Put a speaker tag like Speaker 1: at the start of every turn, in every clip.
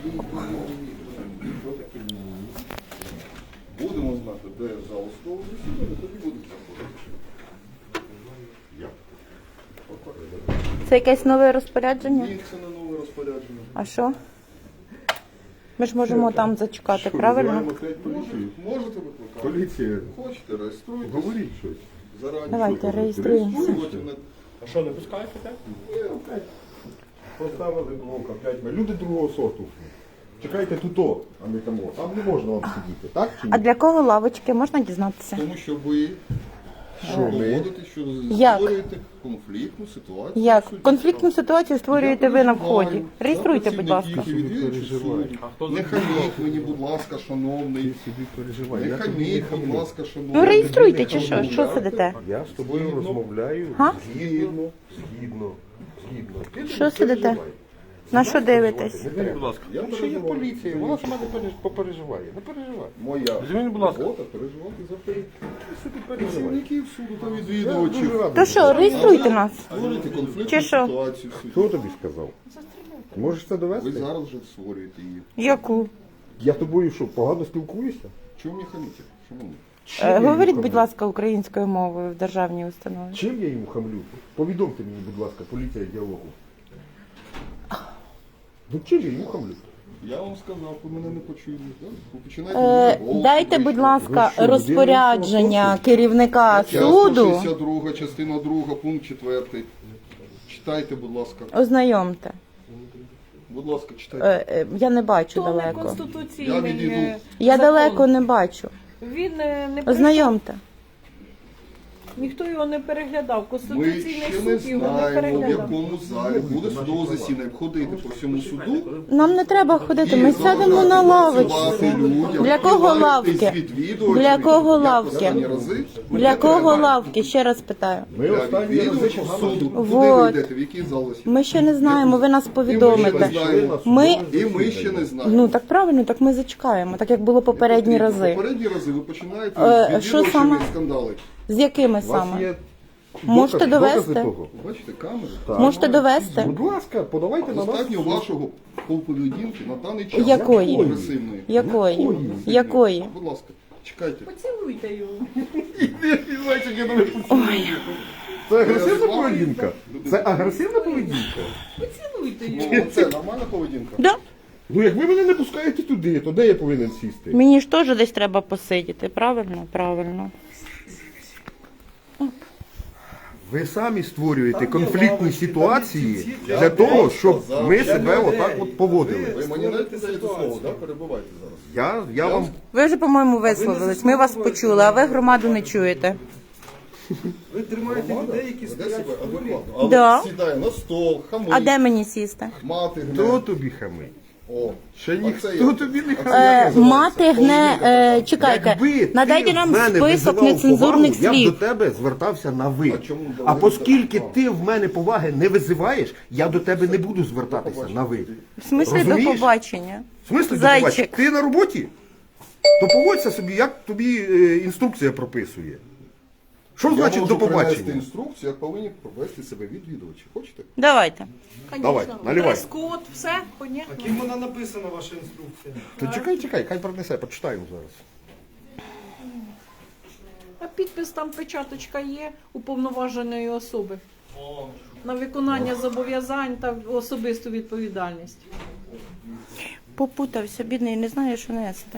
Speaker 1: Будемо знати, де зал судового засідання, тоді будемо заходити.
Speaker 2: Це якесь нове розпорядження?
Speaker 1: Ні, це не нове розпорядження.
Speaker 2: А що? Ми ж можемо там зачекати, правильно?
Speaker 1: Можете викликати?
Speaker 3: Поліція.
Speaker 1: Хочете, реєструйтесь.
Speaker 3: Говоріть щось.
Speaker 1: Зарані.
Speaker 2: Давайте реєструємося.
Speaker 4: А що, не пускаєте, так?
Speaker 3: Поставили блока 5 метрів. Люди другого сорту. Чекайте тут, а не там. Там не можна вам сидіти, так чи ні?
Speaker 2: А для кого лавочки? Можна дізнатися?
Speaker 1: Тому що ви доводите, що
Speaker 2: Як?
Speaker 1: створюєте конфліктну ситуацію.
Speaker 2: Як?
Speaker 1: в суді.
Speaker 2: Конфліктну ситуацію створюєте ви на вході.
Speaker 1: Я
Speaker 2: Реєструйте, будь ласка.
Speaker 1: працівників відвідувачів суду. Не хаміть мені, будь ласка, шановний.
Speaker 3: Ти собі переживай.
Speaker 1: Не
Speaker 3: Я тобі не
Speaker 1: хаміть, будь
Speaker 3: хамлю.
Speaker 1: ласка, шановний.
Speaker 2: Ну реєструйте чи що? Що сидите?
Speaker 3: Я з тобою розмовляю
Speaker 2: Га?
Speaker 3: згідно. Ти
Speaker 2: Що
Speaker 3: не
Speaker 2: сидите?
Speaker 3: переживай.
Speaker 2: На що дивитесь?
Speaker 3: Не треба.
Speaker 4: Будь ласка.
Speaker 1: Я
Speaker 3: Якщо є
Speaker 1: переживаю.
Speaker 3: поліція, вона сама не попереживає. Не переживай.
Speaker 1: Моя
Speaker 4: Візьміть, будь ласка.
Speaker 1: робота переживати за
Speaker 3: Ти собі переживай.
Speaker 1: працівників суду та
Speaker 3: Я дуже
Speaker 1: відвідувачів.
Speaker 3: радий.
Speaker 2: То що, реєструйте нас?
Speaker 1: Створюєте конфліктну
Speaker 2: Чи що?
Speaker 1: ситуацію в
Speaker 3: Хто
Speaker 1: суді.
Speaker 3: тобі сказав? Можеш це
Speaker 1: Ви
Speaker 3: довести?
Speaker 1: зараз вже створюєте її.
Speaker 2: Яку?
Speaker 3: Я тобою що, погано спілкуюся?
Speaker 1: Чому мені хаміте? Шановний.
Speaker 3: Чим я йому
Speaker 2: Говоріть,
Speaker 3: хамлю?
Speaker 2: будь ласка, українською мовою в державній установі.
Speaker 3: Чим я йому хамлю? Повідомте мені, будь ласка, поліція діалогу. Ну чим я йому хамлю?
Speaker 1: Я вам сказав, ви мене не почули. да? Ви починаєте мене голос
Speaker 2: Дайте, будь
Speaker 1: підвищувати.
Speaker 2: ласка,
Speaker 3: Ви що,
Speaker 2: розпорядження керівника
Speaker 1: Стаття
Speaker 2: суду.
Speaker 1: 162, частина 2, пункт 4. Читайте, будь ласка.
Speaker 2: Ознайомте.
Speaker 1: Будь ласка, читайте.
Speaker 2: Я не бачу
Speaker 5: То не
Speaker 2: далеко.
Speaker 1: Я
Speaker 5: конституційний
Speaker 1: відійду.
Speaker 2: Я
Speaker 5: закон.
Speaker 2: далеко не бачу.
Speaker 5: Він не
Speaker 2: Ознайомте.
Speaker 5: ніхто його не переглядав.
Speaker 1: Ми
Speaker 5: Конституційний
Speaker 1: ще не
Speaker 5: суд його не
Speaker 1: знаємо, в
Speaker 5: переглядав.
Speaker 1: якому залі буде судове засідання. Ходити по всьому суду.
Speaker 2: Нам не треба ходити, ми
Speaker 1: і
Speaker 2: сядемо на
Speaker 1: заважати
Speaker 2: лавочку.
Speaker 1: працювати людям,
Speaker 2: Для кого
Speaker 1: відвалюватись
Speaker 2: лавки?
Speaker 1: від відвідувачів.
Speaker 2: Для кого
Speaker 1: Як
Speaker 2: лавки?
Speaker 1: останні рази?
Speaker 2: Для кого лавки? Ще раз питаю.
Speaker 3: Ми
Speaker 1: Для
Speaker 3: останні рази
Speaker 1: відвідувачів
Speaker 3: погано
Speaker 1: суду. Куди
Speaker 2: Вот.
Speaker 1: ви йдете? В який зал засідання?
Speaker 2: Ми ще не знаємо, ви нас
Speaker 1: І ми
Speaker 2: повідомите.
Speaker 1: ще не знаємо.
Speaker 2: Ми,
Speaker 1: І ми ще не знаємо.
Speaker 2: ну так правильно, так ми зачекаємо, так як було попередні рази.
Speaker 1: Попередні рази ви починаєте з
Speaker 2: що
Speaker 1: відвідувачами
Speaker 2: саме?
Speaker 1: скандали.
Speaker 2: З якими
Speaker 3: У вас
Speaker 2: саме?
Speaker 3: є
Speaker 2: Можете
Speaker 3: докази
Speaker 2: довести?
Speaker 3: того?
Speaker 1: Бачите, камери?
Speaker 2: Можете довести?
Speaker 3: Будь ласка, подавайте на нас.
Speaker 1: Достатньо вашого поведінки на даний час.
Speaker 2: Якої?
Speaker 1: Агресивної.
Speaker 2: Якої? Якої?
Speaker 1: Будь ласка, чекайте.
Speaker 5: Поцілуйте його.
Speaker 3: Це агресивна поведінка? Це агресивна поведінка?
Speaker 5: Поцілуйте його.
Speaker 1: Ну, це нормальна поведінка?
Speaker 2: Да.
Speaker 3: Ну як ви мене не пускаєте туди, то де я повинен сісти?
Speaker 2: Мені ж теж десь треба посидіти, правильно? Правильно.
Speaker 3: Ви самі створюєте конфліктні ситуації для того, щоб ми себе отак от поводили.
Speaker 1: Ви мені навіть не даєте слово, да? Перебувайте зараз.
Speaker 3: Я вам
Speaker 2: Ви вже, по-моєму, висловились. Ми вас почули, а ви громаду не чуєте.
Speaker 6: Ви тримаєте людей, які
Speaker 1: Веде
Speaker 6: стоять
Speaker 1: себе
Speaker 6: в полі.
Speaker 1: адекватно. Але
Speaker 2: Да.
Speaker 1: сідає на стол, хамить,
Speaker 2: А де мені сісти?
Speaker 1: мати
Speaker 3: хто
Speaker 1: гне.
Speaker 3: тобі хамить?
Speaker 1: О,
Speaker 3: Ще
Speaker 1: оце
Speaker 3: ніхто
Speaker 1: я.
Speaker 3: тобі не
Speaker 1: Оце
Speaker 3: хамить.
Speaker 1: як називається?
Speaker 2: Мати гне.
Speaker 1: Поведінка
Speaker 2: Чекайте,
Speaker 3: Якби ти
Speaker 2: надайте нам
Speaker 3: в мене
Speaker 2: список
Speaker 3: визивав
Speaker 2: нецензурних
Speaker 3: повагу, я б до
Speaker 2: слів.
Speaker 3: тебе звертався на ви.
Speaker 1: А чому до
Speaker 3: А
Speaker 1: ви
Speaker 3: оскільки
Speaker 1: так?
Speaker 3: ти в мене поваги не визиваєш, я до тебе не буду звертатися на ви.
Speaker 2: В смислі до
Speaker 3: Розумієш?
Speaker 2: побачення.
Speaker 3: В смислі до
Speaker 2: Зайчик.
Speaker 3: побачення? Ти на роботі? То поводься собі, як тобі інструкція прописує. Що
Speaker 1: Я
Speaker 3: значить
Speaker 1: можу
Speaker 3: до
Speaker 1: принести
Speaker 3: побачення?
Speaker 1: інструкцію, як повинні провести себе відвідувачі. Хочете?
Speaker 2: Давайте.
Speaker 3: Давай, наливай.
Speaker 5: Дрес-код, все, понятно.
Speaker 6: А ким вона написана, ваша інструкція?
Speaker 3: То чекай, хай принесе, почитаємо зараз.
Speaker 5: А підпис там печаточка є уповноваженої особи. На виконання зобов'язань та особисту відповідальність.
Speaker 2: Попутався, бідний, не знає, що нести.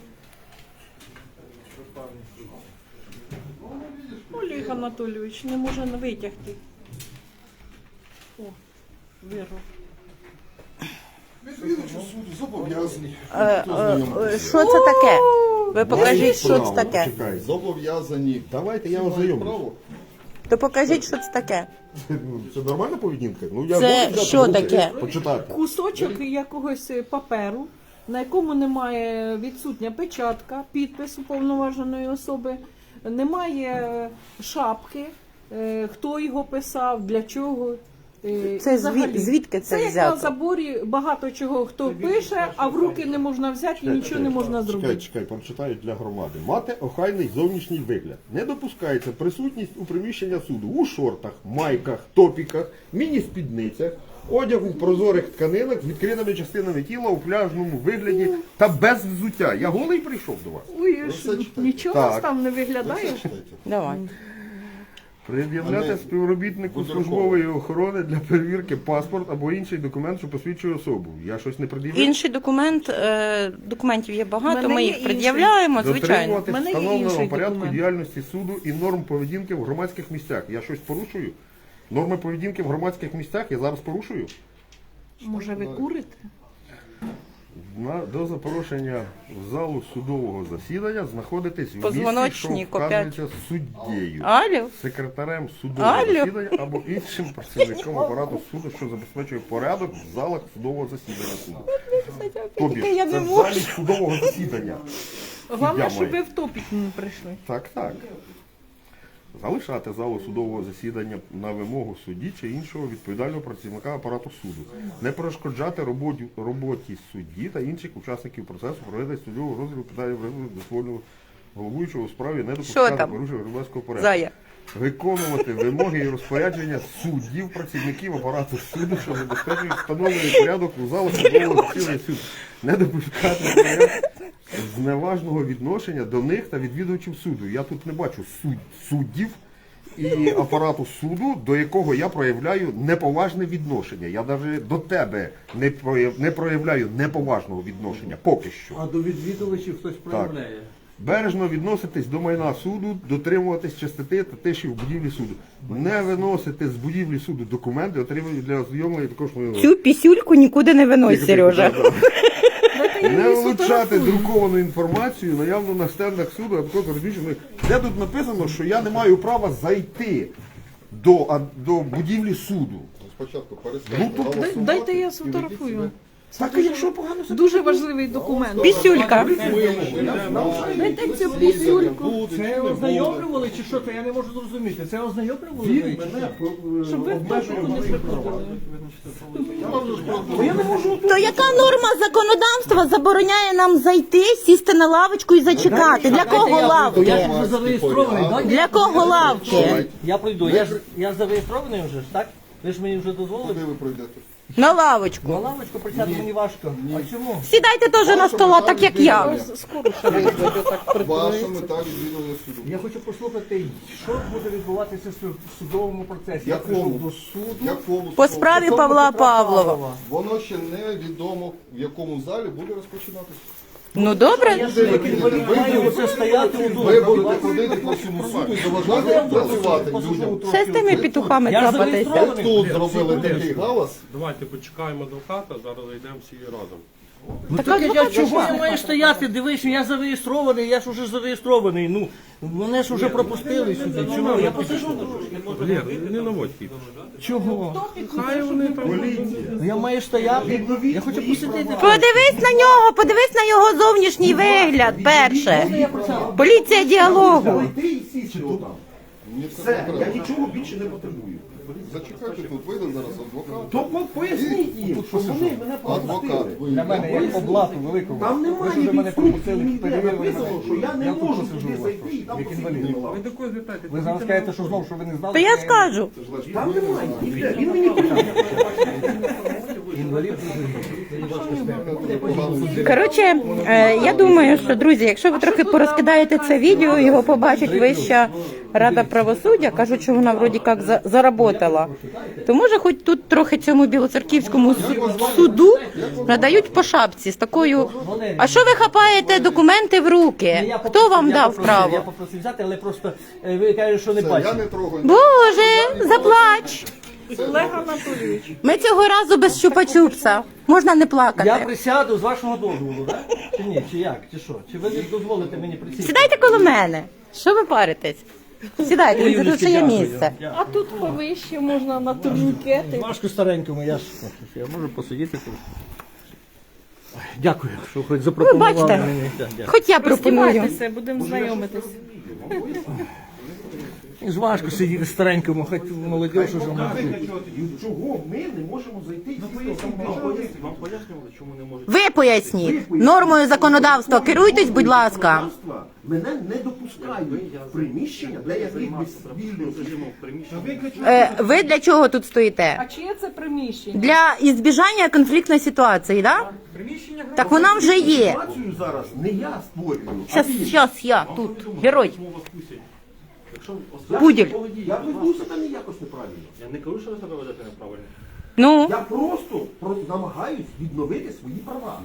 Speaker 5: Олег Анатолійович не може витягти. О, вирвав.
Speaker 1: Відвідувачі суду зобов'язані.
Speaker 2: Що це таке? Ви покажіть, що це таке.
Speaker 3: Чекай.
Speaker 1: Зобов'язані.
Speaker 3: Давайте я
Speaker 1: Мають
Speaker 3: ознайомлюсь.
Speaker 1: право.
Speaker 2: То покажіть, що це таке.
Speaker 3: Це нормальна поведінка? Ну, я
Speaker 2: Це
Speaker 3: можу взяти
Speaker 2: що
Speaker 3: в руки,
Speaker 2: таке?
Speaker 3: Почитати.
Speaker 5: Кусочок якогось паперу, на якому немає відсутня печатка, підпис уповноваженої особи, немає шапки, хто його писав, для чого.
Speaker 2: Це
Speaker 5: Взагалі.
Speaker 2: звідки це
Speaker 5: Це як на
Speaker 2: взято?
Speaker 5: заборі багато чого хто пише, а в руки не можна взяти і нічого не можна зробити.
Speaker 3: Чекай, прочитаю для громади. Мати охайний зовнішній вигляд. Не допускається присутність у приміщення суду у шортах, майках, топіках, міні-спідницях, Одяг у прозорих тканинах з відкритими частинами тіла у пляжному вигляді та без взуття. Я голий прийшов до вас.
Speaker 5: Ой,
Speaker 1: все читайте.
Speaker 5: нічого
Speaker 3: Так.
Speaker 5: у вас там не виглядає.
Speaker 2: Давай.
Speaker 3: Пред'являти співробітнику службової охорони для перевірки паспорт або інший документ, що посвідчує особу. Я щось не пред'являю?
Speaker 2: Інший документ, документів є багато,
Speaker 5: Мене
Speaker 2: ми
Speaker 5: є
Speaker 2: їх
Speaker 5: інший.
Speaker 2: пред'являємо, звичайно.
Speaker 3: Дотримувати
Speaker 5: В мене є
Speaker 3: встановленого
Speaker 5: інший
Speaker 3: порядку
Speaker 5: документ.
Speaker 3: діяльності суду і норм поведінки в громадських місцях. Я щось порушую? Норми поведінки в громадських місцях я зараз порушую?
Speaker 5: Може, ви курите?
Speaker 3: До запрошення в залу судового засідання знаходитесь в місці, що
Speaker 2: Позвоночник
Speaker 3: вказується суддєю,
Speaker 2: Алло?
Speaker 3: секретарем судового
Speaker 2: Алло?
Speaker 3: засідання або іншим працівником апарату суду, що забезпечує порядок в залах судового засідання суду. Тобі
Speaker 2: Я
Speaker 3: це
Speaker 2: не
Speaker 3: в
Speaker 2: можу.
Speaker 3: залі судового засідання.
Speaker 5: Головне,
Speaker 3: Я
Speaker 5: щоб
Speaker 3: маю.
Speaker 5: ви в топік не прийшли.
Speaker 3: Так, так. Залишати залу судового засідання на вимогу судді чи іншого відповідального працівника апарату суду. Не перешкоджати роботі судді та інших учасників процесу, проведення судового розгляду питання дозвольного головуючого у справі, не
Speaker 2: Що
Speaker 3: допускати
Speaker 2: там?
Speaker 3: порушення громадського порядку.
Speaker 2: Зая.
Speaker 3: Виконувати вимоги і розпорядження суддів, працівників апарату суду, що забезпечують встановлений порядок у залах судового засідання суду. Не допускати зневажного відношення до них та відвідувачів суду. Я тут не бачу суддів і апарату суду, до якого я проявляю неповажне відношення. Я навіть до тебе не проявляю неповажного відношення, поки що.
Speaker 7: А до відвідувачів хтось проявляє.
Speaker 3: Бережно відноситись до майна суду, дотримуватись чистоти та тиші в будівлі суду. Не виносити з будівлі суду документи, отримані для ознайомлення також.
Speaker 2: Цю пісюльку нікуди не винось, Сережа.
Speaker 3: Не вилучати друковану інформацію, наявну на стендах суду, а також розміщеної. Де тут написано, що я не маю права зайти до будівлі суду.
Speaker 1: Спочатку
Speaker 3: Ну,
Speaker 1: перестаньте
Speaker 3: то
Speaker 1: голосувати.
Speaker 5: Дайте я
Speaker 1: і
Speaker 5: сфотографую.
Speaker 1: ведіть
Speaker 3: Так, а якщо погано
Speaker 5: Дуже важливий документ.
Speaker 2: Пісюлька.
Speaker 5: Дайте цю пісюльку.
Speaker 7: Це ознайомлювали чи що? Це я не можу зрозуміти. Це ознайомлювали?
Speaker 5: Щоб ви в топіку не приходили.
Speaker 2: То яка норма законодавства забороняє нам зайти, сісти на лавочку і зачекати? Для кого
Speaker 7: Я
Speaker 2: лавки?
Speaker 7: ж вже зареєстрований, так?
Speaker 2: Для кого лавки?
Speaker 7: Я пройду. Я зареєстрований вже ж, так? Ви ж мені вже дозволили?
Speaker 1: Куди ви пройдете?
Speaker 2: На
Speaker 7: На
Speaker 2: лавочку.
Speaker 7: лавочку присяти мені важко. А чому?
Speaker 2: Сідайте теж на стола, так як я.
Speaker 5: Скоро ще визвуть отак
Speaker 1: Ваша мета відвідування суду.
Speaker 7: Я хочу послухати, що буде відбуватися в судовому процесі. Я
Speaker 1: Якому?
Speaker 7: прийшов до суду.
Speaker 1: Якому
Speaker 2: По
Speaker 1: суду?
Speaker 2: справі Павла Павлова.
Speaker 1: Воно ще не відомо, в якому залі буде розпочинатися.
Speaker 2: Ну добре.
Speaker 7: Маю оце стояти у
Speaker 1: Ви будете ходити по всьому суду і заважати працювати людям.
Speaker 2: Все з тими петухами
Speaker 7: Я ж
Speaker 2: капатися.
Speaker 7: зареєстрований.
Speaker 1: Тут зробили такий галас.
Speaker 4: Давайте почекаємо адвоката, зараз зайдемо всі разом.
Speaker 7: Чого я маю стояти? Дивись, я зареєстрований, я ж уже зареєстрований. Ну, мене ж уже пропустили сюди. Чого? Я посижу трошки.
Speaker 4: Валер, не наводь кіпіш.
Speaker 7: Чого?
Speaker 4: Хай вони там.
Speaker 7: Я маю стояти. Я хочу посидіти.
Speaker 2: Подивись на нього, подивись на його зовнішній вигляд перше. Поліція діалогу.
Speaker 1: Мені це
Speaker 3: Все,
Speaker 1: не
Speaker 3: я
Speaker 1: треба.
Speaker 3: нічого більше не потребую.
Speaker 1: Зачекайте тут, вийде зараз адвокат.
Speaker 3: То поясніть їм, що вони мене
Speaker 1: Адвокат
Speaker 3: пропустили.
Speaker 7: Для мене як по блату великому.
Speaker 3: Там
Speaker 7: Ви ж
Speaker 3: немає
Speaker 7: уже мене
Speaker 3: інструкції
Speaker 7: пропустили,
Speaker 3: ніде
Speaker 7: перевірили
Speaker 3: написано,
Speaker 7: мене.
Speaker 3: що я не
Speaker 7: Я тут
Speaker 3: можу
Speaker 7: посижу
Speaker 3: туди
Speaker 7: у вас,
Speaker 3: зайти і там
Speaker 7: як
Speaker 3: посидіти
Speaker 7: інвалід.
Speaker 3: на лаві.
Speaker 4: Ви до когось звертайте.
Speaker 7: Ви зараз скажете, що знов, що ви не знали.
Speaker 2: То я скажу.
Speaker 3: Там немає, ніде. Він мені
Speaker 7: Інвалід.
Speaker 2: Коротше, я думаю, що, друзі, якщо ви трохи порозкидаєте це відео, його побачить Вища Рада правосуддя, кажуть, що вона вроді як заработала, то може хоч тут трохи цьому білоцерківському суду надають по шапці з такою, а що ви хапаєте документи в руки? Хто вам дав
Speaker 7: Я
Speaker 2: право?
Speaker 7: попросив взяти, але просто ви кажете, що не
Speaker 1: Все, я
Speaker 7: бачите.
Speaker 1: не трогаю.
Speaker 2: Боже, заплач!
Speaker 5: Олег Анатолійович.
Speaker 2: Ми цього разу без чупа-чупса. Можна не
Speaker 7: Я
Speaker 2: плакати.
Speaker 7: присяду з вашого дозволу, так? Чи ні? Чи як? Чи що? Чи ви не дозволите мені присісти?
Speaker 2: Сідайте коло мене. Що ви паритесь? Сідайте, тут ще є місце.
Speaker 5: А тут повище можна на турнікети.
Speaker 7: Важко старенькому, я можу посидіти тут. Ой, дякую, що хоч запропонували
Speaker 2: бачите.
Speaker 7: мені. Дякую.
Speaker 2: Хоч я пропоную.
Speaker 5: Роздівайтеся, будемо знайомитись.
Speaker 7: Ж важко сидіти старенькому, хоч молодь уже може.
Speaker 3: Чого ми не можемо зайти? Мене не допускають в приміщення, де я міг би вільно.
Speaker 2: Ви для чого тут стоїте?
Speaker 5: А чиє це приміщення?
Speaker 2: Для ізбіжання конфліктної ситуації, так? Так вона вже є.
Speaker 3: Ситуацію зараз не я створюю.
Speaker 2: Щас я тут, герой. Пуділь.
Speaker 3: Я веду себе не якось неправильно.
Speaker 4: Я не кажу, що ви себе ведете неправильно.
Speaker 2: Ну,
Speaker 3: Я просто намагаюсь відновити свої права.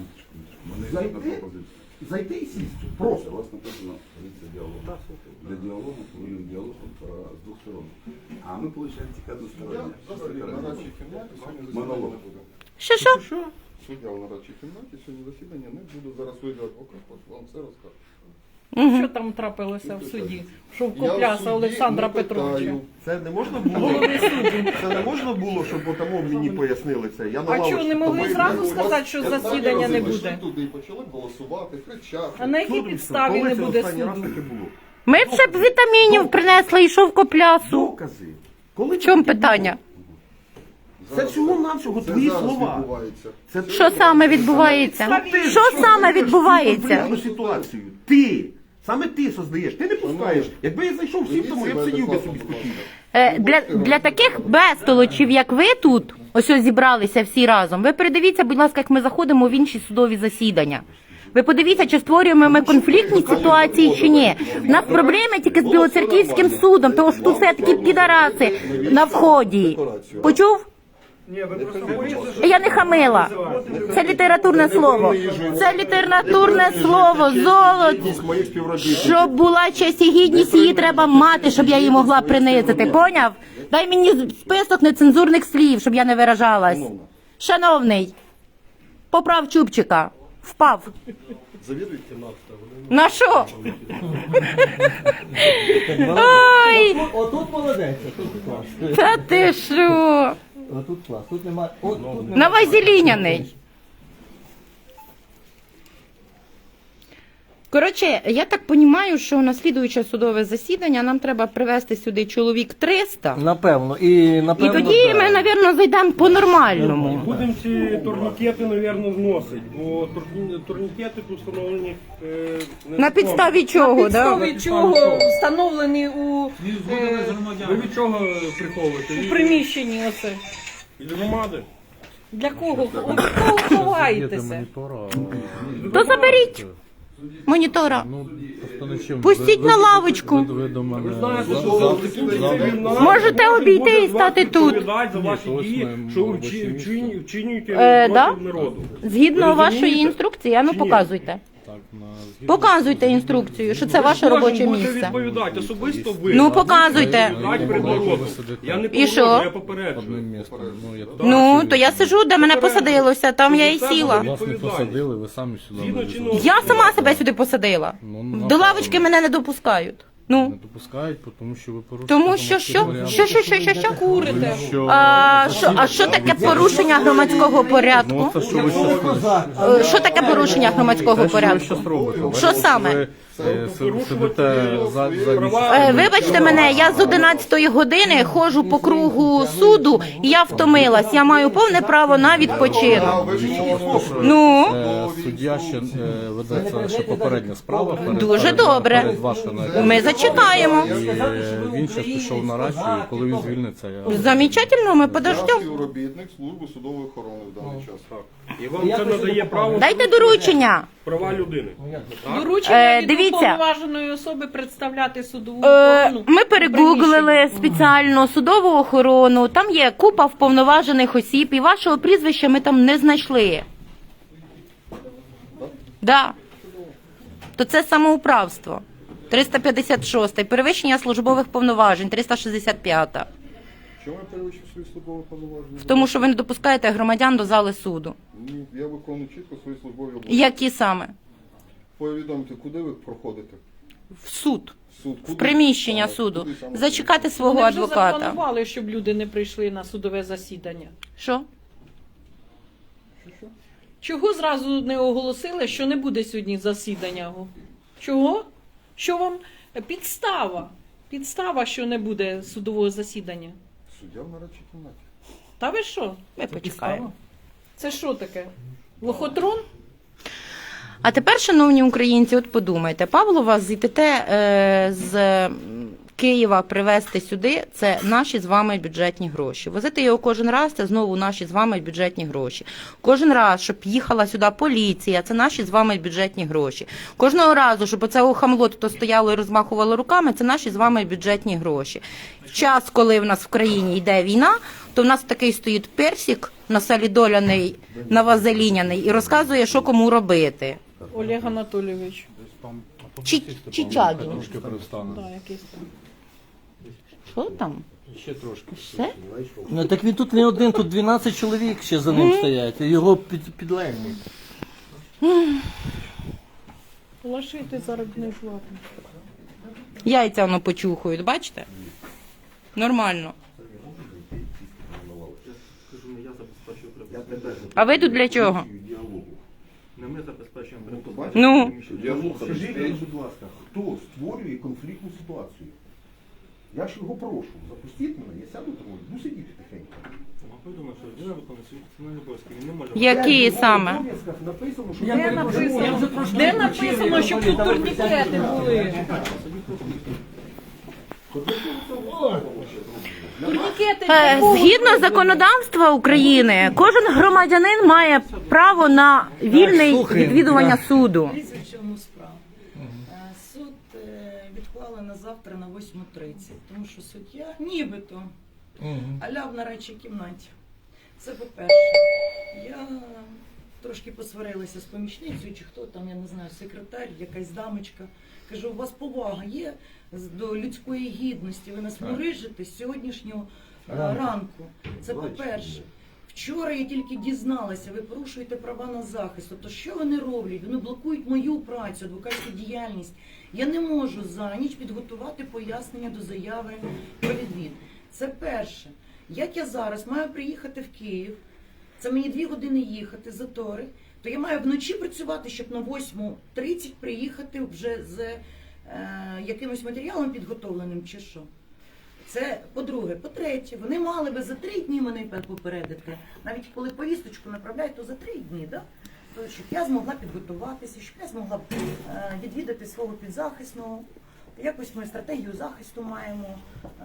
Speaker 3: Зайти і сісти. Просто.
Speaker 8: У вас написано позиція діалогу. Для діалогу повинен діалог з двох сторон. А ми, виходить, тільки одностороння.
Speaker 1: На нарадчій кімнаті сьогодні
Speaker 8: Монолог.
Speaker 1: засідання.
Speaker 2: що?
Speaker 1: Суддя в нарадчій кімнаті сьогодні засідання не буде. Зараз вийде адвокат, вам все розкаже.
Speaker 5: Що там трапилося в суді? Що
Speaker 1: Я в
Speaker 5: вкопляса
Speaker 1: суді
Speaker 5: Олександра
Speaker 1: не
Speaker 5: Петровича?
Speaker 1: питаю.
Speaker 3: Це не можна було? Це не можна було, щоб отому мені пояснили це. Я на
Speaker 5: А чого
Speaker 3: лавочці
Speaker 5: не могли
Speaker 3: побив.
Speaker 5: зразу
Speaker 1: У вас
Speaker 5: сказати, що
Speaker 1: 15
Speaker 5: засідання не
Speaker 1: разів
Speaker 5: буде?
Speaker 1: прийшли туди і почали голосувати, кричати.
Speaker 5: А на якій
Speaker 3: Коли
Speaker 5: підставі
Speaker 3: це
Speaker 5: не буде
Speaker 3: останній раз
Speaker 5: суду?
Speaker 3: таке було?
Speaker 2: Ми б ще б вітамінів принесли і шовкоплясу.
Speaker 3: Докази. Коли
Speaker 2: В чому питання?
Speaker 3: Це всього-навсього
Speaker 1: Це
Speaker 3: твої
Speaker 1: зараз
Speaker 3: слова.
Speaker 1: відбувається.
Speaker 3: Це
Speaker 2: Що саме відбувається? Що саме відбувається?
Speaker 3: конфліктну ситуацію. Ти. Саме ти создаєш. Ти не пускаєш. Якби я зайшов всім тому, я б сидів би собі спокійно.
Speaker 2: Для таких безтолочів, як ви тут, ось ось зібралися всі разом, ви передивіться, будь ласка, як ми заходимо в інші судові засідання. Ви подивіться, чи створюємо ми конфліктні ситуації, чи ні. У нас проблеми тільки з Білоцерківським судом, тому що тут все такі підараси на вході. Почув? Я не хамила. Це літературне слово. Це літературне слово, золото.
Speaker 3: Моїх співробітників.
Speaker 2: Щоб була честь і гідність, її треба мати, щоб я її могла принизити. Поняв? Дай мені список нецензурних слів, щоб я не виражалась. Шановний, поправ чубчика. Впав.
Speaker 1: Завідуйте.
Speaker 2: На що? Ой,
Speaker 7: Отут молодець, отут клас.
Speaker 2: та ти що?
Speaker 7: Отут клас, тут немає.
Speaker 2: На Вазеліняний. Коротше, я так розумію, що на слідуюче судове засідання нам треба привезти сюди чоловік 300.
Speaker 7: Напевно. І
Speaker 2: І
Speaker 7: напевно.
Speaker 2: тоді ми, мабуть, зайдемо по-нормальному.
Speaker 4: Будемо ці турнікети, мабуть, зносити, бо турнікети тут встановлені
Speaker 2: На підставі чого, да?
Speaker 5: Підставі чого встановлені у
Speaker 4: Ви від чого приховуєте?
Speaker 5: приміщенні оце?
Speaker 4: Від громади.
Speaker 5: Для кого? Від кого ховаєтеся?
Speaker 2: То заберіть монітора.
Speaker 9: Ну, просто не чим.
Speaker 2: Пустіть на лавочку.
Speaker 9: Ви до мене.
Speaker 4: Ви знаєте, що
Speaker 2: Можете обійти і стати тут.
Speaker 4: відповідають за ваші
Speaker 9: Ні,
Speaker 4: дії,
Speaker 9: ось ми
Speaker 4: що
Speaker 9: робоче місце.
Speaker 4: вчинюєте
Speaker 2: Да?
Speaker 4: проти народу.
Speaker 2: Згідно
Speaker 4: Ви
Speaker 2: вашої
Speaker 4: розумієте?
Speaker 2: інструкції, а ну
Speaker 4: Чи ні?
Speaker 2: показуйте.
Speaker 9: Так, на згідно.
Speaker 2: Показуйте інструкцію, що це ваше
Speaker 4: Кожен
Speaker 2: робоче
Speaker 4: буде
Speaker 2: місце.
Speaker 4: відповідати, особисто ви.
Speaker 2: Ну, показуйте.
Speaker 4: Відповідати перед народом. Я не
Speaker 2: І що?
Speaker 4: погоджую, я попереджую.
Speaker 9: Одним містом. Ну, я
Speaker 2: Ну, то я сижу, де мене посадилося, там я і сіла.
Speaker 9: Вас не посадили, ви самі сюди
Speaker 4: Згідно
Speaker 9: вивезли.
Speaker 4: чинного
Speaker 2: Я сама себе сюди посадила.
Speaker 9: Ну,
Speaker 2: До
Speaker 9: напевно.
Speaker 2: лавочки мене не допускають.
Speaker 9: Не
Speaker 2: Ну,
Speaker 9: допускають, тому що ви порушуєте.
Speaker 2: тому що?
Speaker 9: громадський порядок.
Speaker 5: Курите.
Speaker 9: Що?
Speaker 2: А що таке порушення громадського порядку?
Speaker 9: Ну, це що ви щас
Speaker 2: Що таке порушення громадського
Speaker 9: Те, що ви
Speaker 2: порядку?
Speaker 9: щас робите?
Speaker 2: Що саме?
Speaker 9: Ви сидите за
Speaker 2: Вибачте мене, я з 11 години ходжу по кругу суду, і я втомилась. Я маю повне право на відпочинок. Ну,
Speaker 9: суддя ще ведеться ще попередня справа.
Speaker 2: Дуже добре.
Speaker 9: Перед вашою
Speaker 2: Ми зачекаємо.
Speaker 9: І він ще пішов на рацію, коли він звільниться, я...
Speaker 2: Замечательно, ми
Speaker 1: Я
Speaker 2: подождемо.
Speaker 1: співробітник служби судової охорони в даний час.
Speaker 4: І вам це надає право
Speaker 2: Дайте доручення.
Speaker 4: права людини.
Speaker 5: Доручення від
Speaker 2: Дивіться.
Speaker 5: уповноваженої особи представляти судову охорону.
Speaker 2: Ми перегуглили спеціально судову охорону, там є купа вповноважених осіб, і вашого прізвища ми там не знайшли. Да. То це самоуправство. 356, перевищення службових повноважень, 365.
Speaker 1: Чому я перевищив свої службові повноваження?
Speaker 2: Тому що ви не допускаєте громадян до зали суду.
Speaker 1: Ні, я виконую чітко свої службові обов'язки.
Speaker 2: Які саме?
Speaker 1: Повідомте, куди ви проходите?
Speaker 2: В суд.
Speaker 1: В суд.
Speaker 2: В
Speaker 1: Куди?
Speaker 2: приміщення
Speaker 1: А,
Speaker 2: суду.
Speaker 1: куди саме?
Speaker 2: Зачекати свого
Speaker 5: Вони вже
Speaker 2: адвоката.
Speaker 5: запланували, щоб люди не прийшли на судове засідання.
Speaker 2: Що?
Speaker 5: Чого зразу не оголосили, що не буде сьогодні засідання? Чого? Що вам підстава? Підстава, що не буде судового засідання.
Speaker 1: Суддя в нарадчій кімнаті.
Speaker 5: Та ви що?
Speaker 2: Ми почекаємо.
Speaker 5: Це що таке? Лохотрон?
Speaker 2: А тепер, шановні українці, от подумайте, Павлова з ІТТ з Києва привезти сюди, це наші з вами бюджетні гроші. Возити його кожен раз, це знову наші з вами бюджетні гроші. Кожен раз, щоб їхала сюди поліція, це наші з вами бюджетні гроші. Кожного разу, щоб оце хамло тут стояло і розмахувало руками, це наші з вами бюджетні гроші. В час, коли в нас в країні йде війна, то в нас такий стоїть персик насолідоляний, навазеліняний і розказує, що кому робити.
Speaker 5: Олег Анатолійович.
Speaker 2: Чичагін.
Speaker 9: Трошки привстану.
Speaker 5: Да, якийсь там.
Speaker 2: Що там?
Speaker 9: Ще трошки.
Speaker 2: Все?
Speaker 7: Ну так він тут не один, тут 12 чоловік ще за ним стоять, і його підлеглі.
Speaker 5: Лишити заробітну плату.
Speaker 2: Яйця воно почухають, бачите? Нормально. А ви тут для чого? Ну,
Speaker 3: Скажіть, будь ласка, хто створює конфліктну ситуацію? Я ж його прошу, запустіть мене, я сяду трошки, буду сидіти тихенько.
Speaker 2: які саме?
Speaker 3: В обов'язках написано, що
Speaker 5: Де написано, щоб тут турнікети були? Турнікети
Speaker 2: Згідно законодавства України, кожен громадянин має право на вільне відвідування суду.
Speaker 10: Дивіться, в чому справа. Суд відклали на завтра на 8:30, тому що суддя нібито аля в нарадчій кімнаті. Це по-перше. Я трошки посварилася з помічницею, чи хто там, я не знаю, секретар, якась дамочка. Кажу, у вас повага є до людської гідності, ви нас мурижите з сьогоднішнього ранку. Це по-перше. Вчора я тільки дізналася, ви порушуєте права на захист. Тобто, що вони роблять? Вони блокують мою працю, адвокатську діяльність. Я не можу за ніч підготувати пояснення до заяви про відвід. Це перше. Як я зараз маю приїхати в Київ, це мені 2 години їхати, затори, то я маю вночі працювати, щоб на 8:30 приїхати вже з якимось матеріалом підготовленим чи що. Це по-друге. По-третє, вони мали би за 3 дні мене попередити. Навіть коли повісточку направляють, то за 3 дні, да? То, щоб я змогла підготуватися, щоб я змогла відвідати свого підзахисного. Якось ми стратегію захисту маємо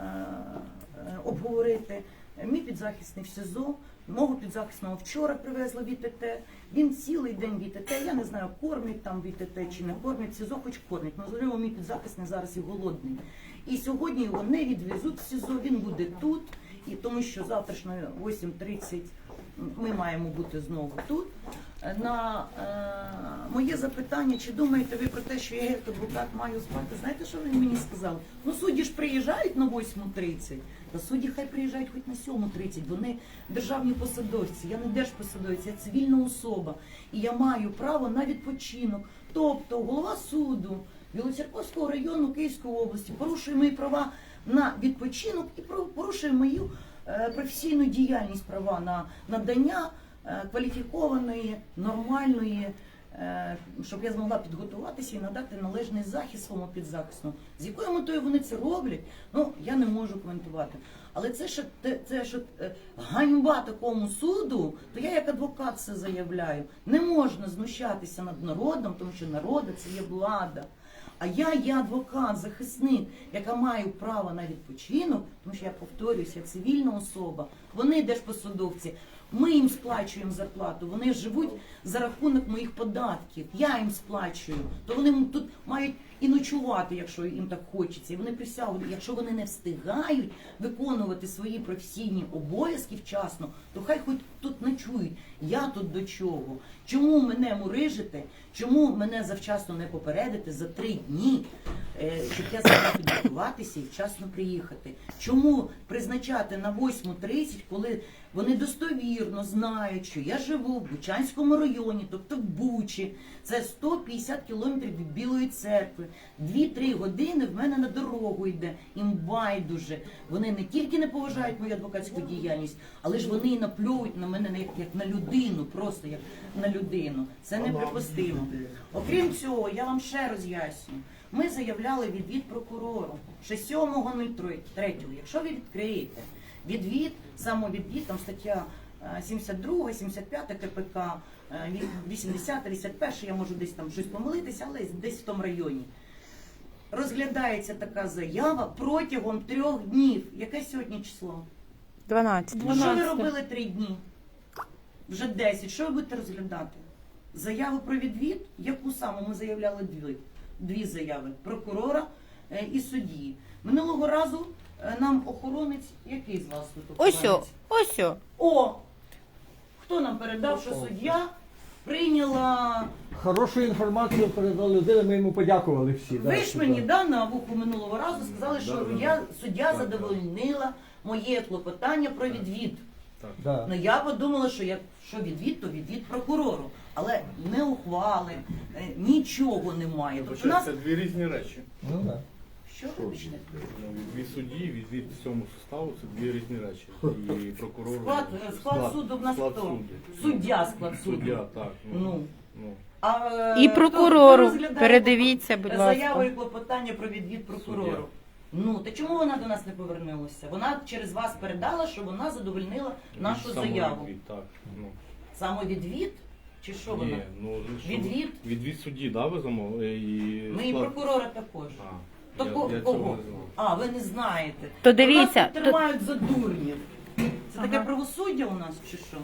Speaker 10: обговорити. Мій підзахисний в СІЗО, мого підзахисного вчора привезли в ІТТ. Він цілий день в ІТТ, я не знаю, кормять там в ІТТ чи не кормять, в СІЗО хоч кормять. Можливо, мій підзахисний зараз і голодний. І сьогодні його не відвезуть в СІЗО, він буде тут, і тому що завтрашньо 8:30 ми маємо бути знову тут. На моє запитання, чи думаєте ви про те, що я як адвокат маю спати, знаєте, що він мені сказав? Ну, судді ж приїжджають на 8:30, та судді хай приїжджають хоч на 7:30, вони державні посадовці, я не держпосадовець, я цивільна особа, і я маю право на відпочинок. Тобто голова суду Білоцерківського району Київської області порушує мої права на відпочинок і порушує мою професійну діяльність, права на надання кваліфікованої, нормальної, щоб я змогла підготуватися і надати належний захист своєму підзахисному. З якою метою вони це роблять, ну, я не можу коментувати. Але це що ганьба такому суду, то я як адвокат це заявляю. Не можна знущатися над народом, тому що народ – це є влада. А я є адвокат, захисник, яка має право на відпочинок, тому що я повторююся, я цивільна особа, вони держпосадовці, ми їм сплачуємо зарплату, вони живуть за рахунок моїх податків, я їм сплачую, то вони тут мають і ночувати, якщо їм так хочеться, і вони присягли, якщо вони не встигають виконувати свої професійні обов'язки вчасно, то хай хоч тут ночують. Я тут до чого? Чому мене мурижите? Чому мене завчасно не попередити за 3 дні, щоб я змогла підготуватися і вчасно приїхати? Чому призначати на 8:30, коли вони достовірно знають, що я живу в Бучанському районі, тобто в Бучі, це 150 кілометрів від Білої церкви, 2-3 години в мене на дорогу йде, їм байдуже. Вони не тільки не поважають мою адвокатську діяльність, але ж вони і наплюють на мене як на людину, просто як на людину. Це неприпустимо. Окрім цього, я вам ще роз'ясню. Ми заявляли відвід прокурору ще 7.03. Якщо ви відкриєте відвід, самовідвід, там стаття 72, 75 КПК, 80, 81, я можу десь там щось помилитися, але десь в тому районі. Розглядається така заява протягом 3 днів. Яке сьогодні число?
Speaker 2: 12.
Speaker 10: Що ви робили 3 дні? Вже 10. Що ви будете розглядати? Заяву про відвід? Яку саме? Ми заявляли дві заяви. Прокурора і судді. Минулого разу нам охоронець, який з вас тут охоронець?
Speaker 2: Ось.
Speaker 10: О! Хто нам передав, що суддя прийняла...
Speaker 7: Хорошу інформацію передала людина, ми йому подякували всі.
Speaker 10: Ви ж мені на вуху минулого разу сказали, що суддя задовольнила моє клопотання про відвід.
Speaker 7: Да.
Speaker 10: Ну я подумала, що якщо відвід, то відвід прокурору. Але не ухвали, нічого немає. Тобто у нас...
Speaker 9: Це дві різні речі.
Speaker 7: Ну, да.
Speaker 10: Що вибачте?
Speaker 9: Відвід судді, відвід всьому составу це дві різні речі. І прокурор...
Speaker 10: Склад суду в нас хто? Суддя склад суду.
Speaker 9: Суддя, так.
Speaker 10: Ну.
Speaker 9: Ну.
Speaker 10: А,
Speaker 2: І прокурору.
Speaker 10: хто розглядає
Speaker 2: Передивіться, будь
Speaker 10: заяву
Speaker 2: ласка.
Speaker 10: і клопотання про відвід прокурору.
Speaker 9: Суддя.
Speaker 10: Ну, та чому вона до нас не повернулася? Вона через вас передала, що вона задовольнила нашу заяву.
Speaker 9: Самовідвід, так. Ну.
Speaker 10: Самовідвід? Чи що вона?
Speaker 9: Ні, ну, що-
Speaker 10: Відвід?
Speaker 9: Відвід судді, да, ви замовили?
Speaker 10: Ну і прокурора також.
Speaker 9: А,
Speaker 10: То
Speaker 9: я
Speaker 10: кого?
Speaker 9: цього не знав.
Speaker 10: А, ви не знаєте.
Speaker 2: То дивіться,
Speaker 10: Нас тут тримають за дурнів. Це таке правосуддя у нас чи що?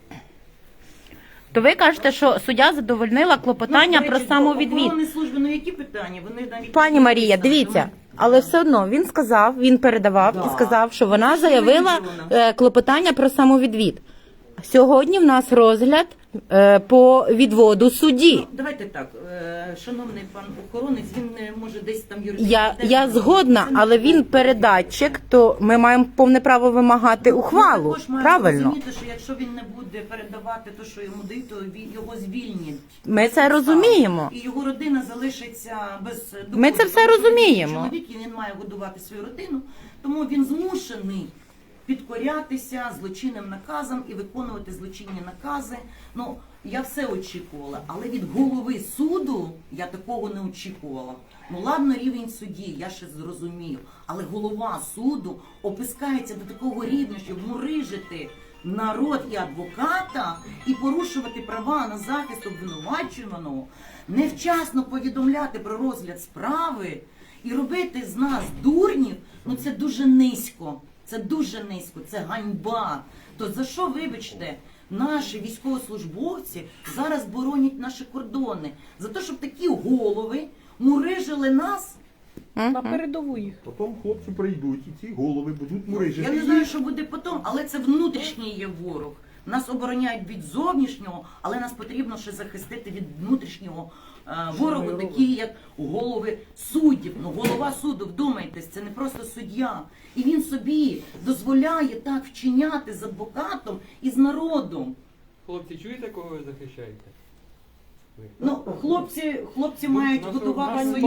Speaker 2: То ви кажете, що суддя задовольнила клопотання
Speaker 10: Ну, до
Speaker 2: про
Speaker 10: речі,
Speaker 2: самовідвід.
Speaker 10: до охоронної служби, ну які питання? Вони навіть...
Speaker 2: Пані Марія, дивіться, але все одно він сказав, він передавав і сказав, що вона заявила клопотання про самовідвід. Сьогодні в нас розгляд по відводу судді.
Speaker 10: Ну, давайте так, шановний пан охоронець, він може десь там юридично...
Speaker 2: Я згодна, але він передатчик, то ми маємо повне право вимагати ухвалу.
Speaker 10: Також маємо
Speaker 2: Правильно.
Speaker 10: розуміти, що якщо він не буде передавати те, що йому дають, то його звільнять.
Speaker 2: Ми це розуміємо.
Speaker 10: І його родина залишиться без доходу.
Speaker 2: Ми це все
Speaker 10: Тому що він
Speaker 2: розуміємо.
Speaker 10: чоловік, і він має годувати свою родину, тому він змушений підкорятися злочинним наказам і виконувати злочинні накази. Ну, я все очікувала, але від голови суду я такого не очікувала. Ну, ладно, рівень судді, я ще зрозумію, але голова суду опускається до такого рівня, щоб мурижити народ і адвоката і порушувати права на захист обвинувачуваного, невчасно повідомляти про розгляд справи і робити з нас дурнів, ну це дуже низько. Це дуже низько, це ганьба. То за що, вибачте, наші військовослужбовці зараз боронять наші кордони? За те, щоб такі голови мурижили нас?
Speaker 5: На передову їх.
Speaker 3: Потім хлопці прийдуть і ці голови будуть мурижити.
Speaker 10: Я не знаю, що буде потім, але це внутрішній є ворог. Нас обороняють від зовнішнього, але нас потрібно ще захистити від внутрішнього ворогу, такі як голови суддів. Ну, голова суду, вдумайтесь, це не просто суддя. І він собі дозволяє так вчиняти з адвокатом і з народом.
Speaker 11: Хлопці, чуєте, кого ви захищаєте?
Speaker 10: Ну, хлопці мають годувати свою...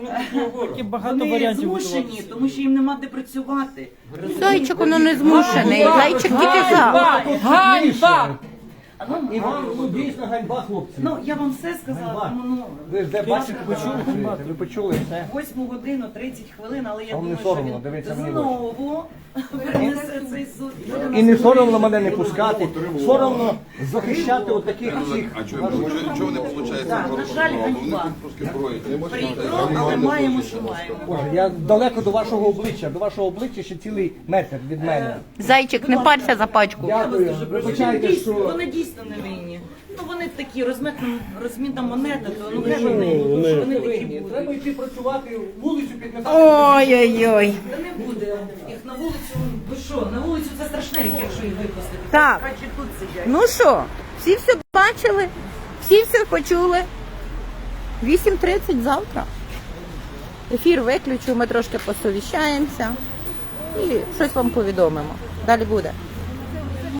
Speaker 10: Вони змушені, тому що їм нема де працювати.
Speaker 2: Зайчик, воно не змушений. Зайчик тільки за.
Speaker 5: Ганьба!
Speaker 10: Ну,
Speaker 7: Ну, дійсно ганьба, хлопці.
Speaker 10: ну, я вам все сказала, тому ну...
Speaker 7: Ви ж де бачите, ви почули все.
Speaker 10: 8 годину 30 хвилин, але я
Speaker 7: Вам не
Speaker 10: думаю, що
Speaker 7: соромно,
Speaker 10: він
Speaker 7: дивіться мені в
Speaker 10: знову перенесе цей суд.
Speaker 7: І не соромно мене не пускати, соромно захищати отаких всіх.
Speaker 1: А чого не виходить?
Speaker 10: Так, на жаль, ганьба. Прикро, але маємо, що маємо.
Speaker 7: Боже, я далеко до вашого обличчя ще цілий метр від мене.
Speaker 2: Зайчик, не парся за пачку.
Speaker 7: Дякую. Вибачайте, що...
Speaker 10: Вони дійсно не винні. Ну вони такі, розмітна монета, то ну вже вони такі будуть.
Speaker 7: Треба йти працювати, вулицю підмітати.
Speaker 2: Ой-ой-ой.
Speaker 10: Та не буде їх на вулицю, ви що, на вулицю це страшне, якщо їх випустити.
Speaker 2: Так.
Speaker 10: Краще тут сидять.
Speaker 2: Ну що, всі все бачили, всі все почули. 8:30 завтра. Ефір виключу, ми трошки посовіщаємося і щось вам повідомимо. Далі буде.